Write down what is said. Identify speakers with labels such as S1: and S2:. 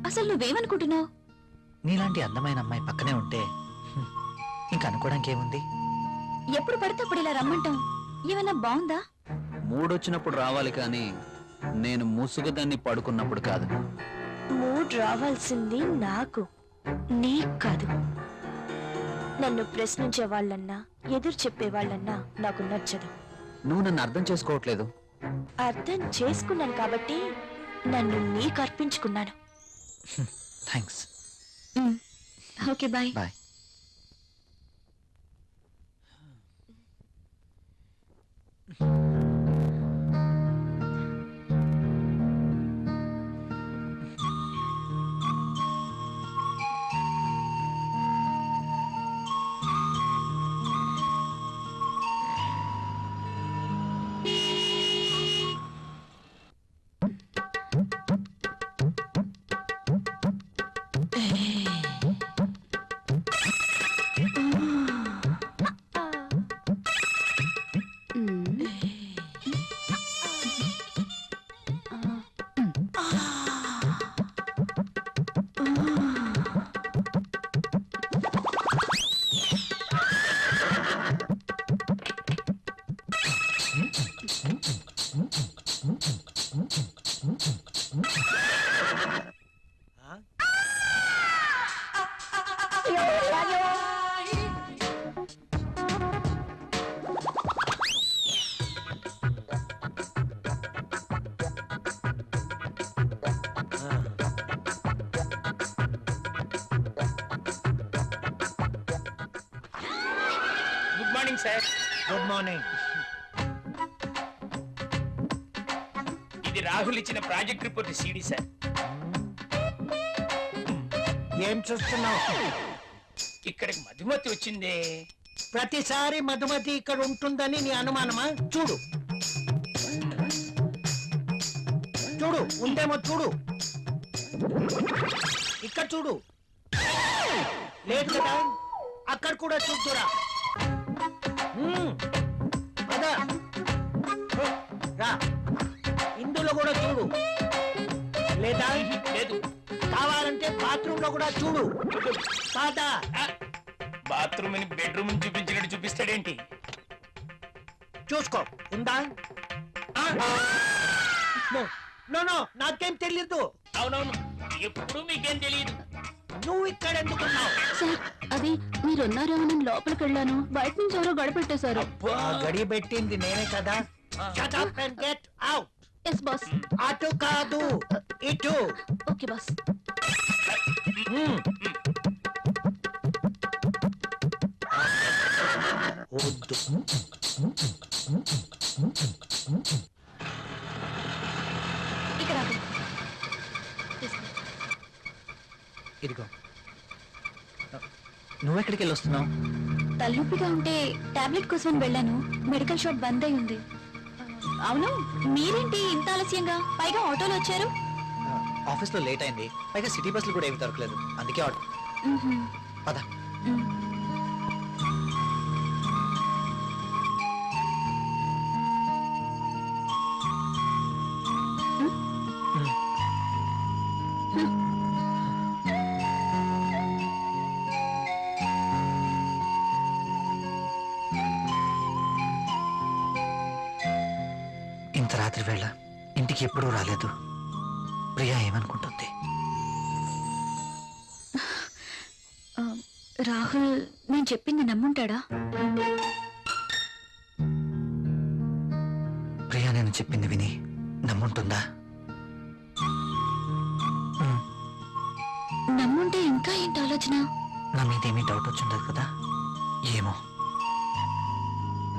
S1: అసలు నువ్వేమనుకుంటున్నావు?
S2: నీలాంటి అందమైన అమ్మాయి పక్కనే ఉంటే ఇంకా అనుకోవడానికి ఏముంది?
S1: ఎప్పుడు పడితే అప్పుడు ఇలా రమ్మంటాం ఏమైనా బాగుందా?
S3: మూడొచ్చినప్పుడు రావాలి కానీ నేను ముసుగుదాన్ని పడుకున్నప్పుడు కాదు.
S4: మూడ్ రావాల్సింది నాకు, నీకు కాదు. నన్ను ప్రశ్నించే వాళ్ళన్నా ఎదురు చెప్పే వాళ్ళన్నా నాకు నచ్చదు.
S3: నువ్వు నన్ను అర్థం చేసుకోవట్లేదు.
S4: అర్థం చేసుకున్నాను కాబట్టి నన్ను నీకు అర్పించుకున్నాను.
S2: Thanks.
S1: Okay bye.
S2: Bye.
S5: Good morning sir.
S2: Good morning.
S5: ఇది రాహుల్ ఇచ్చిన ప్రాజెక్ట్ రిపోర్ట్ సీడీ సార్.
S6: ఏం చూస్తున్నావు?
S5: ఇక్కడికి మధుమతి వచ్చిందే.
S6: ప్రతిసారి మధుమతి ఇక్కడ ఉంటుందని నీ అనుమానమా? చూడు చూడు, ఉందేమో చూడు. ఇక్కడ చూడు, లేదు కదా? అక్కడ కూడా చూద్దురా. అదా రా, ఇందులో కూడా చూడు. లేదా?
S5: లేదు.
S6: కావాలంటే బాత్రూమ్ లో కూడా చూడు. కాదా?
S5: బాత్రూమ్ ని బెడ్రూమ్ చూపించినట్టు చూపిస్తాడేంటి?
S6: చూసుకో, ఉందా? నో నో, నాకేం తెలీదు.
S5: అవునవును, ఎప్పుడు మీకేం తెలియదు.
S6: నువ్వు ఇక్కడ ఎందుకున్నావు?
S1: సార్ అది మీరున్నారేమో లోపలికి వెళ్ళాను, బయట నుంచి ఎవరో గడిపెట్టేశారు.
S6: ఆ గడి పెట్టింది నేనే కదా. Shut up and get out.
S1: Yes boss.
S6: అటు కాదు, ఇటు.
S1: Okay boss.
S6: వద్దు.
S1: ఇక్కడ ఆగు.
S2: ఇదిగో. నువ్వెక్కడికి వెళ్ళి వస్తున్నావు?
S1: తలనొప్పిగా ఉంటే టాబ్లెట్ కోసం వెళ్ళాను, మెడికల్ షాప్ బంద్ అయి ఉంది. అవును, మీరేంటి ఇంత ఆలస్యంగా, పైగా ఆటోలో వచ్చారు?
S2: ఆఫీస్లో లేట్ అయింది, పైగా సిటీ బస్సులు కూడా ఏమి దొరకలేదు, అందుకే ఆటో. పద. ఇంత రాత్రి వేళ ఇంటికి ఎప్పుడూ రాలేదు. ప్రియా ఏమనుకుంటుంది?
S1: రాహుల్ నేను చెప్పింది నమ్ముంటాడా?
S2: ప్రియా నేను చెప్పింది విని నమ్ముంటుందా?
S1: నమ్ముంటే ఇంకా ఏంటి ఆలోచన?
S2: నా మీదేమీ డౌట్ వచ్చిండదు కదా? ఏమో.